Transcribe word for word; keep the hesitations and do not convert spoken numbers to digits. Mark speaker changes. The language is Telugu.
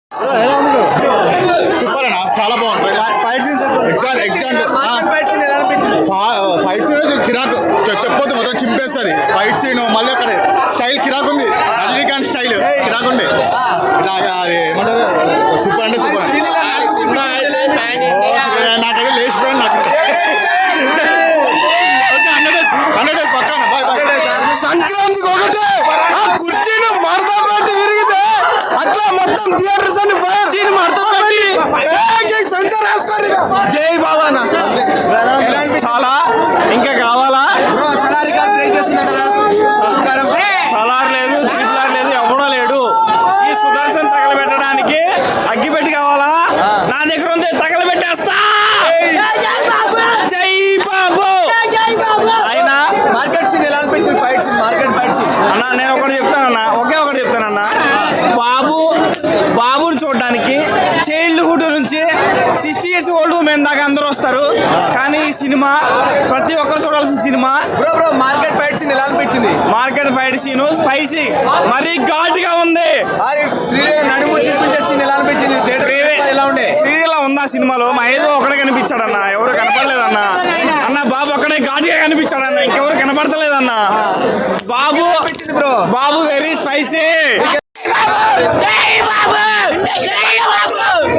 Speaker 1: సూపర్ అన్న, చాలా బాగుంది. ఎగ్జాక్ట్ ఎగ్జాక్ట్ ఫైట్ సీన్ కిరాక్ చెప్పొద్దు, మొత్తం చింపేస్తుంది ఫైట్ సీన్. మళ్ళీ అక్కడ స్టైల్ కిరాక్ ఉంది, రజనీకాంత్ స్టైల్ కిరాక్ ఉంది. అది ఏమంటారు, సూపర్ అంటే సూపర్. నాకైతే లేచిపోయాను. నాకు హండ్రెడ్ డేస్ పక్కన
Speaker 2: సంక్రాంతికి ఒకటే ఆ కుర్చీని మడతపెట్టి తిరిగితే అట్లా మొత్తం థియేటర్స్ అన్ని ఫైర్ చీని మడతపెట్టి సెన్సార్ వేసుకొని జై బాబా. చాలా ఇంకా కావాలా? సలార్ లేదు, త్రిపులార్ లేదు, ఎవడో లేడు. ఈ సుదర్శన్ తగలబెట్టడానికి అగ్గిపెట్టి కావాలా? నా దగ్గర ఉంది, తగలబెట్టేస్తా. జై బాబు. అయినా
Speaker 3: మార్కెట్ సీన్ ఎలా అనిపించింది? Fight scene, market fight scene
Speaker 2: అన్న నేను ఒకటి చెప్తానన్నా, ఒకే ఒకటి చెప్తానన్నా. బాబు బాబుని చూడడానికి చైల్డ్హుడ్ నుంచి సిక్స్టీ ఇయర్స్ ఓల్డ్ ఉమెన్ దాకా అందరూ వస్తారు. కానీ ఈ సినిమా ప్రతి ఒక్కరు చూడాల్సిన cinema.
Speaker 3: Bro bro market fight scene ఎలా అనిపించింది?
Speaker 2: మార్కెట్ ఫైట్ సీన్ స్పైసీ, మరీ ఘాటుగా ఉంది.
Speaker 3: శ్రీదేవి నడుము చూపించే సీన్ ఎలా అనిపించింది? ఎలా ఉండే?
Speaker 2: శ్రీదేవిలా ఉంది ఆ సినిమాలో. మహేష్ ఒక్కడే కనిపించాడన్న, ఎవరు కనపడలేదన్న. అన్న బాబు ఒక్కడే ఘాటుగా కనిపించాడన్న, ఇంకెవరు కనపడతలేదన్న. Babu
Speaker 3: bro
Speaker 2: Babu very spicy.
Speaker 4: జై బాబు, జై బాబు.